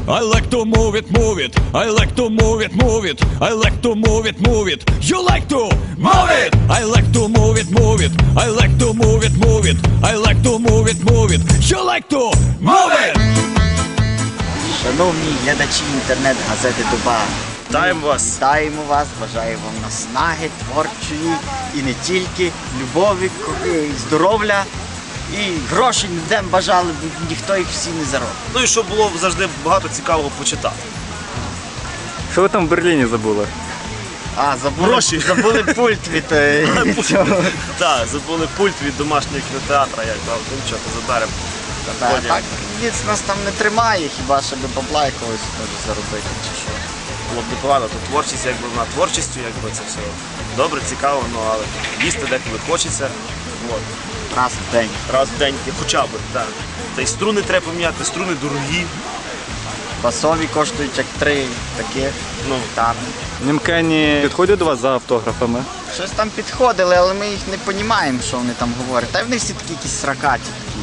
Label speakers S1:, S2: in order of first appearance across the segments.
S1: I like to move it, move it. I like to move it, move it. I like to move it, move it. You like to move it. I like to move it, move it. I like to move it, move it. I like to move it, move it. You like to move it.
S2: Шановні глядачі інтернет-газети Доба,
S3: Вітаємо вас!
S2: вітаємо вас, бажаю вам наснаги, творчої і не тільки, любові, здоров'я і грошей ніде бажали, бо ніхто їх всі не заробить.
S3: Ну і щоб було завжди багато цікавого почитати.
S4: Що ви там в Берліні забули?
S3: Гроші.
S2: Забули пульт від цього.
S3: Так, забули пульт від домашнього кінотеатра, як там, нічого, то заберемо.
S2: Так, ніц нас там не тримає, хіба щоб бабла якогось може заробити чи що.
S3: Було б непогано, то творчість, якби вона творчістю, якби це все добре, цікаво, ну, але їсти деколи хочеться. От.
S2: Раз в день.
S3: Раз в день, хоча б, так. Та й струни треба поміняти, струни дорогі.
S2: Басові коштують як 3 таких.
S3: Ну,
S2: Там.
S4: Німкені підходять до вас за автографами?
S2: Щось там підходили, але ми їх не розуміємо, що вони там говорять. Та вони всі такі якісь сракаті такі.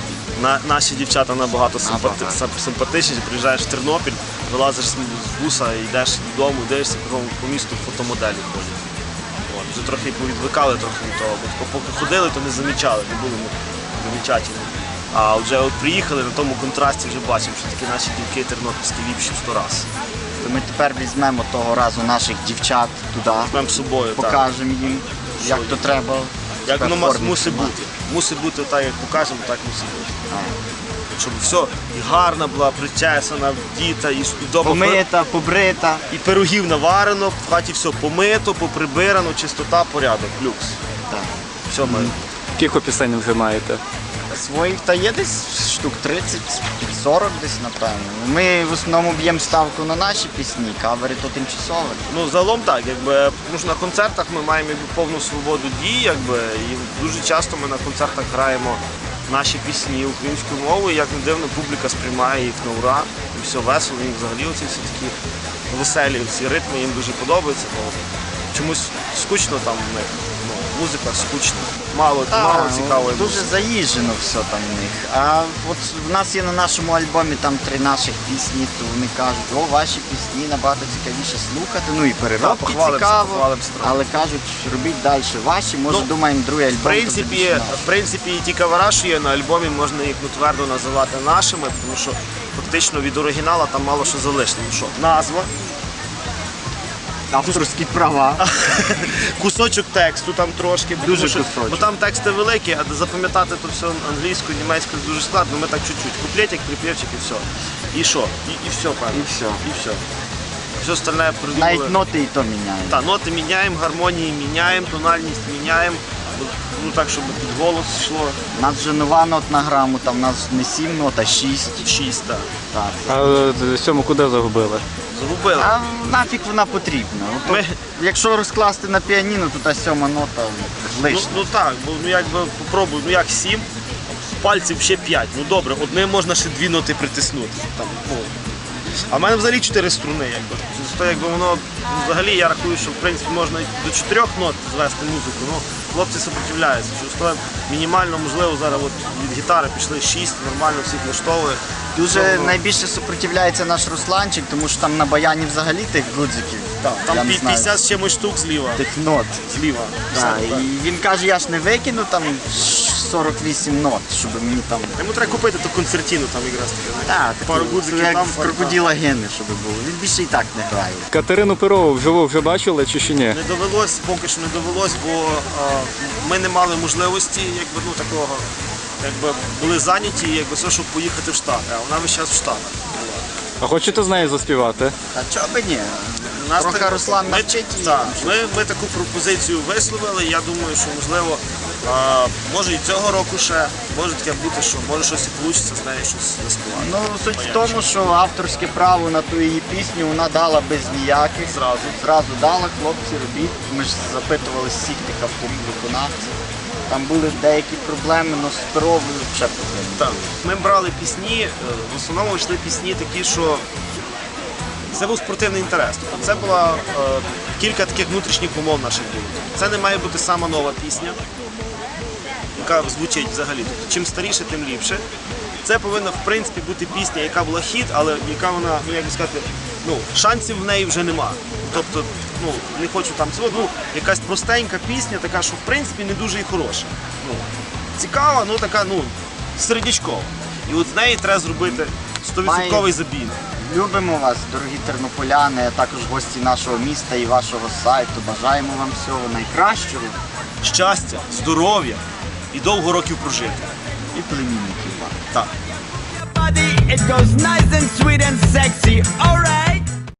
S3: Наші дівчата набагато
S2: Набагато.
S3: симпатичні. Приїжджаєш в Тернопіль, вилазиш з буса, йдеш додому, дивишся, по місту фотомоделі ходять. От, вже трохи повідвикали трохи від того, бо поки ходили, то не замічали, не були замічательні. А вже от приїхали, на тому контрасті вже бачимо, що такі наші дівки тернопільські ліпші в 100 раз.
S2: То ми тепер візьмемо того разу наших дівчат туди,
S3: Візьмемо з собою, так.
S2: покажемо їм, як
S3: Що
S2: то треба.
S3: Як
S2: себе
S3: воно
S2: в формі
S3: мусить
S2: тримати.
S3: бути. Мусить бути так, як покажемо, так мусить бути.
S2: А.
S3: Щоб все і гарна була, причесана, вдіта, і вдома
S2: Помита, побрита.
S3: і пирогів наварено, в хаті все помито, поприбирано, чистота, порядок, люкс.
S2: Так.
S3: Все ми.
S4: Кілько пісень вже маєте?
S2: Своїх та є десь штук 30-40 десь, напевно. Ми в основному б'ємо ставку на наші пісні, кавери то тимчасові.
S3: Ну, загалом так, якби, тому що на концертах ми маємо якби, повну свободу дій, якби, і дуже часто ми на концертах граємо наші пісні українською мовою, як не дивно, публіка сприймає їх на ура, і все весело, їм взагалі оці всі такі веселі ці ритми їм дуже подобаються, бо чомусь скучно там в них, ну, музика скучна, мало цікавої
S2: Дуже
S3: музики.
S2: заїжджено все там в них. А от в нас є на нашому альбомі там 3 наших пісні, то вони кажуть, о, ваші пісні набагато цікавіше слухати. Ну і переробки
S3: похвалимося,
S2: цікаво,
S3: похвалимося трохи.
S2: але кажуть, робіть далі ваші, може думаємо другий альбом.
S3: В принципі, і ті кавера, що є на альбомі, можна їх твердо називати нашими, тому що фактично від оригіналу там мало що залишило. Що? Назва,
S2: авторські права.
S3: кусочок тексту там трошки, бо
S2: Дуже
S3: тому що-
S2: кусочок.
S3: бо там тексти великі, а запам'ятати то все англійською, німецькою дуже складно, ми так чуть-чуть. Куплетик, припівчик і все. І що? І все, певно.
S2: І все.
S3: І все. Все остальне придумали.
S2: Навіть ноти і то міняють.
S3: Так, ноти міняємо, гармонії міняємо, тональність міняємо, ну так, щоб під голос йшло.
S2: У нас вже нова нотна грама, там у нас не 7 нот, а 6.
S3: 6, так.
S2: Так.
S4: А сьому куди загубили?
S3: Загубили.
S2: А нафіг вона потрібна. От,
S3: Ми-
S2: якщо розкласти на піаніно, то та 7 нота лишня.
S3: Ну так, бо ну якби попробуй, ну як 7, пальців ще 5. Ну добре, одним можна ще 2 ноти притиснути. Там, ну. А в мене взагалі 4 струни, якби. То, якби воно взагалі я рахую, що в принципі можна і до 4 нот звести музику. Ну, хлопці сопротивляються. Через то мінімально, можливо, зараз от від гітари пішли 6, нормально всіх влаштовує.
S2: Дуже
S3: Ну,
S2: найбільше супротивляється наш Русланчик, тому що там на баяні взагалі тих гудзиків.
S3: так,
S2: я
S3: там
S2: не знаю,
S3: 50 з чимось штук зліва.
S2: тих нот.
S3: Зліва.
S2: Да,
S3: Все, так.
S2: і він каже, я ж не викину там 48 нот, щоб мені там.
S3: Йому треба купити ту концертину там якраз таки.
S2: Так,
S3: Пару гудзиків
S2: як
S3: там,
S2: в
S3: пару
S2: крокодила гени, щоб було. Він більше і так не грає.
S4: Катерину Перову вживу вже бачили чи ще ні?
S3: Не довелось, поки що не довелось, бо ми не мали можливості, якби, ну, такого, якби були зайняті, якби все, щоб поїхати в Штати, а вона весь час в Штатах була.
S4: А хочете з нею заспівати?
S2: Та чого би ні?
S3: Нас
S2: Трохи
S3: так-
S2: Руслан
S3: ми-
S2: навчить її.
S3: так, ми таку пропозицію висловили, я думаю, що можливо, може і цього року ще, може таке бути, що може щось і вийде з нею щось заспівати.
S2: Ну, суть в тому, що авторське право на ту її пісню вона дала без ніяких. Зразу дала, хлопці, робіть. Ми ж запитували всіх тих авторів виконавців. Там були деякі проблеми, але з здоров'ю ще проблеми.
S3: Так. Ми брали пісні, в основному йшли пісні такі, що це був спортивний інтерес. Тобто це було кілька таких внутрішніх умов наших було. Це не має бути сама нова пісня, яка звучить взагалі. Тобто, чим старіше, тим ліпше. Це повинна, в принципі, бути пісня, яка була хіт, але яка вона, ну як би сказати, ну, шансів в неї вже нема. Тобто, ну, не хочу там цього, ну, якась простенька пісня, така, що в принципі не дуже і хороша. Ну, цікава, ну така, ну, середнячкова. І от з неї треба зробити 100% забій.
S2: Любимо вас, дорогі тернополяни, а також гості нашого міста і вашого сайту. Бажаємо вам всього найкращого
S3: Щастя, здоров'я і довго років прожити.
S2: і племінників вам.
S3: Так.
S5: It goes nice and sweet and sexy, alright.